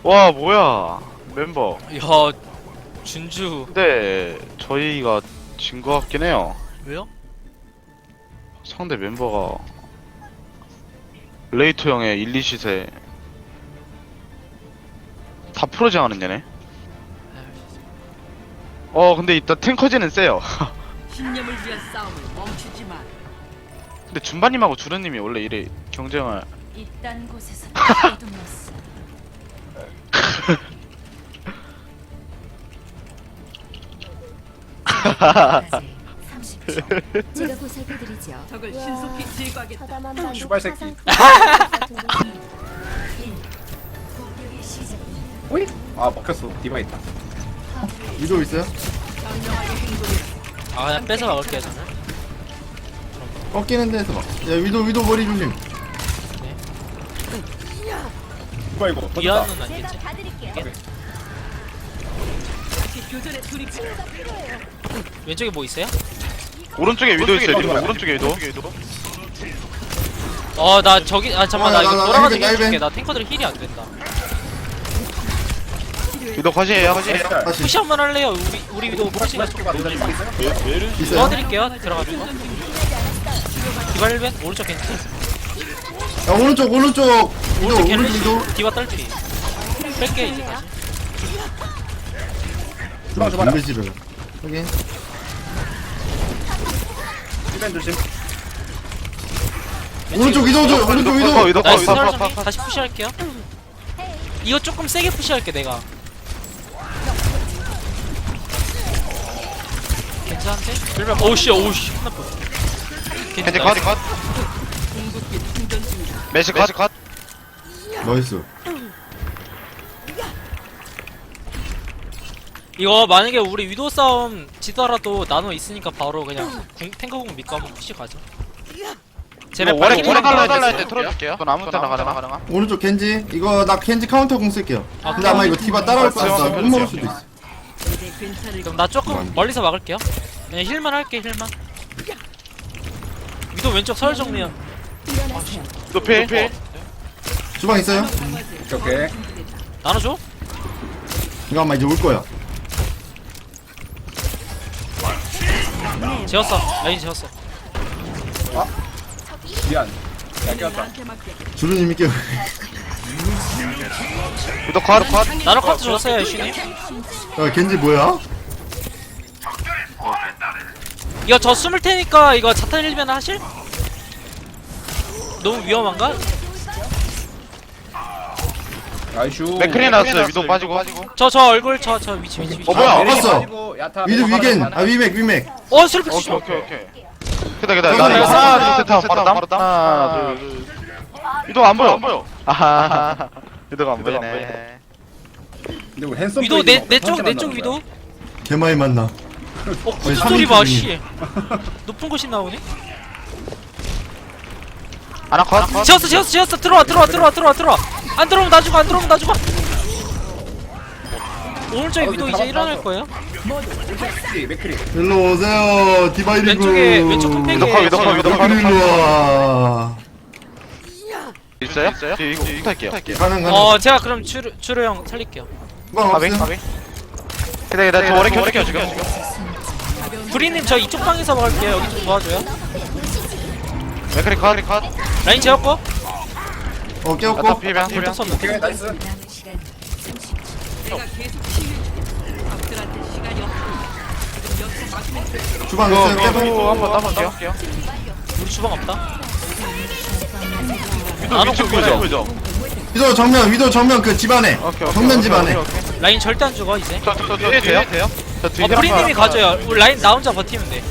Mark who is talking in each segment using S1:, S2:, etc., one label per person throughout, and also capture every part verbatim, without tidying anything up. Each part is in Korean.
S1: 와 뭐야 멤버.
S2: 야 준주
S1: 근데 저희가 진 거 같긴 해요.
S2: 왜요?
S1: 상대 멤버가 레이토 형의 일, 이 시세 다 프로징하는 얘네. 어 근데 일단 탱커진은 세요.
S3: 신념을 위한 싸움을 멈추지 마.
S1: 근데 준바님하고 주르님이 원래 이래 경쟁을.
S3: 이딴 곳에서 어둠났어.
S4: 삼십 초. 제가 보살펴드리죠.
S3: 적을 신속히 제거하겠다.
S4: 서담한 반도
S5: 슈발 새끼.
S4: 공격의 시작.
S5: 오이? 아 먹혔어. 디바 있다.
S6: 위도 있어요?
S3: 현명하게 행동해.
S2: 아 그냥 뺏어 먹을게요 저는.
S6: 꺾이는 데서 막. 야 위도 위도 머리 조심.
S5: 디바 이거 터졌다.
S2: 미아는 아니겠지?
S4: 봐드릴게요.
S3: 다시 교전에 돌입해.
S2: 왼쪽에 뭐 있어요?
S1: 오른쪽에 위도 있어요. 지금 오른쪽에 위도.
S2: 어 나 저기 아 잠깐만 나
S6: 아,
S2: 이거
S6: 나, 나,
S2: 돌아가서
S6: 나, 나,
S2: 해줄게.
S6: 나,
S2: 나 탱커들 힐이 안 된다.
S1: 위도 컷이에요. 컷이에요.
S6: 다시
S2: 푸시 한번 할래요? 우리 우리 위도 푸시가 좀
S6: 있어요.
S2: 도와드릴게요. 들어가지고. 디바 일 벤 오른쪽 겐지.
S6: 야 오른쪽 오른쪽 위도
S2: 오른쪽
S6: 오른쪽
S2: 겐지.
S6: 위도.
S2: 디바 딸피. 뺄게 이제 다시.
S5: 주방 주방.
S6: 준비실을. 확인.
S5: 디벤 조심.
S6: 오른쪽 위도 줘. 오른쪽
S1: 위도
S6: 위도.
S1: 위도
S2: 나이스.
S1: 컷.
S2: 좀 다시 푸시할게요. 이거 조금 세게 푸시할게 내가. 괜찮은데? 오우씨 오우씨 끝났고.
S1: 겐지 컷. 컷.
S3: 궁극기 충전 중이다.
S1: 메시 컷. 컷.
S6: 나이스.
S2: 이거 만약에 우리 위도 싸움 지더라도 나노 있으니까 바로 그냥 궁, 탱커공 믿고 한번 푸시 가죠. 제발
S1: 오래
S2: 빨리
S1: 오래
S2: 힐
S1: 달라
S2: 좀
S1: 달라
S2: 해주세요.
S1: 할때 틀어줄게요. 그건 아무 때나 가능하.
S6: 오른쪽 겐지. 이거 나 겐지 카운터 공 쓸게요.
S2: 아,
S6: 근데 아마 이거 디바 따라올 것 같아. 못 먹을 수도 있어.
S3: 이제 괜찮을
S2: 그럼 나 조금 멀리서 막을게요. 그냥 힐만 할게 힐만. 위도 왼쪽 서열 정리야.
S4: 일어나세요.
S1: 높이.
S6: 주방 있어요?
S5: 오케이 오케이.
S2: 나눠줘?
S6: 이거 아마 이제 올 거야.
S2: 재웠어. 라인 재웠어.
S5: 미안. 야 깨웠다.
S3: 나한테 맡겨.
S6: 주루님이 깨워.
S1: 위도 컷. 컷.
S2: 나노 카트 줬어요 애쉬님.
S6: 야 겐지 뭐야?
S2: 이거 저 숨을 테니까 이거 자탄 힐면 하실? 너무 위험한가?
S5: 나이슈.
S1: 맥크리 나왔어요. 위도 빠지고.
S2: 저 저 얼굴 저 저 위치 위치 위치.
S1: 어, 뭐야?
S6: 봤어.
S5: 야타.
S6: 위도 위겐. 아 위맥 위맥.
S2: 어 슬리피
S1: 오케이
S2: 좀.
S1: 오케이 오케이. 기다 기다.
S6: 나
S1: 나
S6: 이거
S1: 이거 하나 둘 셋 하고 바로 담. 하나 둘. 위도 안 보여. 안 보여. 아하. 위도가 안 보이네.
S5: 근데 우리 핸섬
S2: 위도 내 내 쪽 내 쪽 위도.
S6: 개 많이 만나.
S2: 어
S6: 아니,
S2: 소리 봐
S6: 삼 인칭이.
S2: 씨. 높은 곳이 나오네.
S1: 하나 컷.
S2: 지었어 지었어 지었어 들어와 들어와 들어와 들어와 들어와. 안 들어오면 나 죽어 안 들어오면 나 죽어. 오른쪽에 위도 이제 일어날 거예요.
S5: 맥크리 맥크리.
S6: 일로 오세요. 디바 이리고.
S2: 왼쪽에 왼쪽 컴팩에
S1: 위도 컷. 위도 컷. 위도 컷.
S6: 일로 와.
S1: 있어요? 있어요? 이거 부탁할게요.
S6: 가능 가능.
S2: 어 제가 그럼 추르 추르 형 살릴게요.
S6: 주방
S1: 가비
S6: 없음.
S1: 가비. 기다 기다. 저 오래 켜줄게요 지금.
S2: 브리님 저 이쪽 방에서 먹을게요. 여기 좀 도와줘요.
S1: 맥크리 컷. 컷.
S2: 라인 재웠고.
S6: 어
S1: 야타
S6: 깨웠고.
S1: 피변.
S2: 불떡 썼는데.
S5: 오케이 나이스.
S4: 남은 시간 삼십 초.
S3: 내가 계속 치유해줄게. 적들한테 시간이 없어. 지금 여기서 막으면 돼.
S6: 주방
S1: 이거
S6: 있어요. 깨봐.
S1: 위도 한번 따볼게요.
S2: 우리 주방 없다.
S1: 위도
S2: 나노
S1: 위쪽
S2: 컷
S1: 보죠.
S6: 위도 정면 위도 정면 그 집안에.
S1: 오케이, 오케이,
S6: 정면
S1: 오케이,
S6: 집안에.
S1: 오케이, 오케이.
S2: 라인 절대 안 죽어 이제.
S1: 저, 저, 저, 뒤에 돼요? 돼요? 저 뒤에
S2: 어 브리님이
S1: 한번
S2: 가져요. 우리 라인 나 혼자 버티면 돼.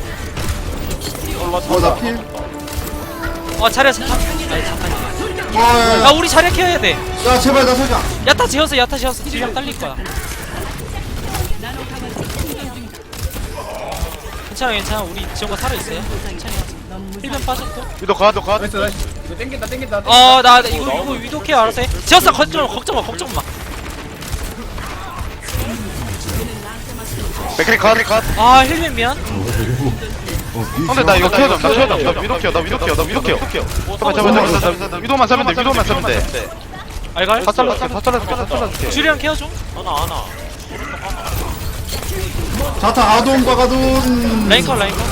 S6: 어나 필.
S2: 어 차례 잠깐. 아니 잠깐.
S6: 와.
S2: 아 우리 차례 켜야 돼.
S6: 야 제발 나 살자.
S2: 야타 지었어 야타 지었어. 딜량 딸릴 거야. 괜찮아 괜찮아 우리 지원과 살아 있어요. 괜찮아. 힐면 빠졌고.
S1: 위도 컷. 위도 컷.
S5: 나이스 나이스. 이거 땡긴다 땡긴다.
S2: 어나 이거 이거 위도 케어 알아서 해. 지었어 걱정 마 걱정 마 걱정 마.
S1: 맥크리 컷. 컷.
S2: 아 힐면 미안.
S6: 어,
S1: 근데 나 이거 키워줘. 나 키워줘. 나 위도 키워. 나 위도 키워. 나 위도 키워. 잠깐 잠깐 잠깐. 나 위도만 사면 돼. 위도만 사면 돼.
S2: 알갈?
S1: 다 잘라줄게 다 잘라줄게 다 잘라줄게.
S2: 주리랑 케어 좀.
S7: 하나 하나.
S6: 자타 아돈 과가돈.
S2: 라인컷 라인컷.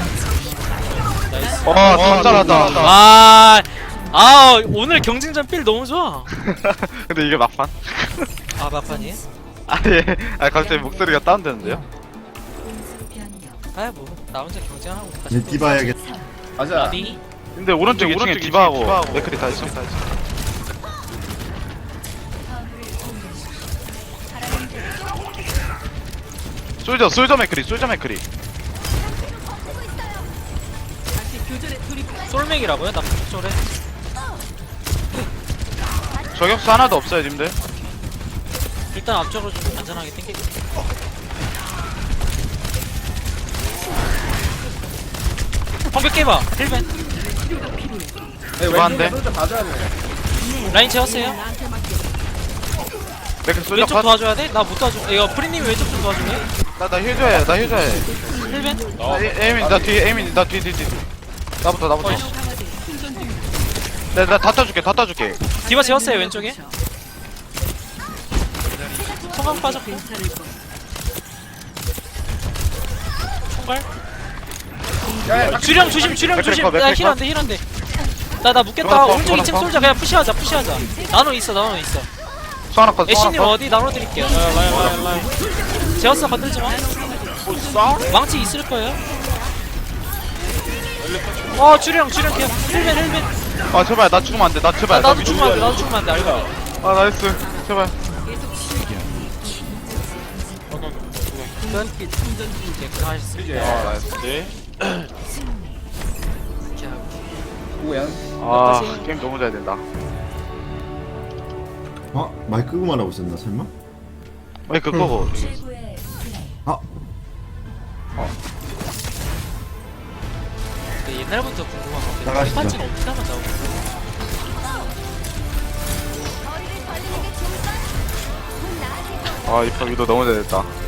S2: 나이스.
S1: 와다 잘랐다.
S2: 아, 아 오늘 경쟁전 필 너무 좋아.
S1: 근데 이게 막판?
S2: 아 막판이에요?
S1: 아예 아 갑자기 목소리가 다운되는데요?
S4: 공수 변경.
S2: 아뭐나 혼자 경쟁하고
S6: 이제 디바야겠다.
S5: 가자.
S2: 나디.
S1: 근데 오른쪽 이 층에 디바하고 맥크리 다 있어. 솔저 솔저 맥크리 솔저 맥크리.
S3: 다시 교전에 돌입.
S2: 솔맥이라고요? 나 폭졸해.
S1: 저격수 하나도 없어요 님들.
S2: 일단 앞쪽으로 좀 안전하게 땡기고. 방벽 깨봐. 힐벤.
S5: 네,
S1: 좋아한데?
S5: 왼쪽에 솔져 봐줘야 돼.
S2: 라인 채웠어요.
S3: 나한테 맡겨.
S1: 맥크리 솔저
S2: 왼쪽
S1: 컷.
S2: 도와줘야 돼? 나 못 도와줘. 이거 프리님 왼쪽 좀 도와줄래?
S1: 나나 힐줘야 나 힐줘야.
S2: 힐벤?
S1: 에이민 나 뒤에 에이민 나 뒤에 뒤에 뒤에. 나부터 나부터.
S2: 어이씨.
S3: 충전 중.
S1: 내나다 따줄게 다 따줄게.
S2: 디바 채웠어요 왼쪽에. 성광 빠졌고.
S3: 괜찮을 거야.
S2: 총괄.
S5: 야, 야,
S2: 주령 조심 주령
S1: 맥크리
S2: 조심.
S1: 컷, 맥크리
S2: 나 힐 안돼 힐 안돼. 나나 묶겠다.
S1: 전화
S2: 오른쪽
S1: 전화
S2: 이 층
S1: 전화
S2: 솔자 그냥 푸시하자 푸시하자. 나노 있어 나노 있어.
S1: 소하나 컷 소하나
S2: 애쉬님
S1: 컷.
S2: 어디 나눠 드릴게요. 제어스 건들지 마. 망치 있을 거예요. 어 주령 주령 케어. 힐벤 힐벤.
S1: 아 제발 나 죽으면 안돼 나
S2: 아,
S1: 제발.
S2: 나도 죽으면 안 돼. 나도 죽으면 안 돼. 알고.
S1: 아 나이스 제발.
S2: 던기 충전 중. 개하셨습니다.
S1: 아 나이스.
S7: 네.
S2: 이렇게 하고.
S5: 뭐야?
S1: 아 게임 너무 잘 된다.
S6: 어? 마이크 끄고 말하고 있었나 설마?
S1: 왜 그거고?
S4: 최고의 플레이.
S6: 아
S2: 근데 옛날부터 궁금한 건데
S6: 나가시죠.
S2: 판치는 어떻게 하면 나오고?
S1: 아 이파 위도 너무 잘 됐다.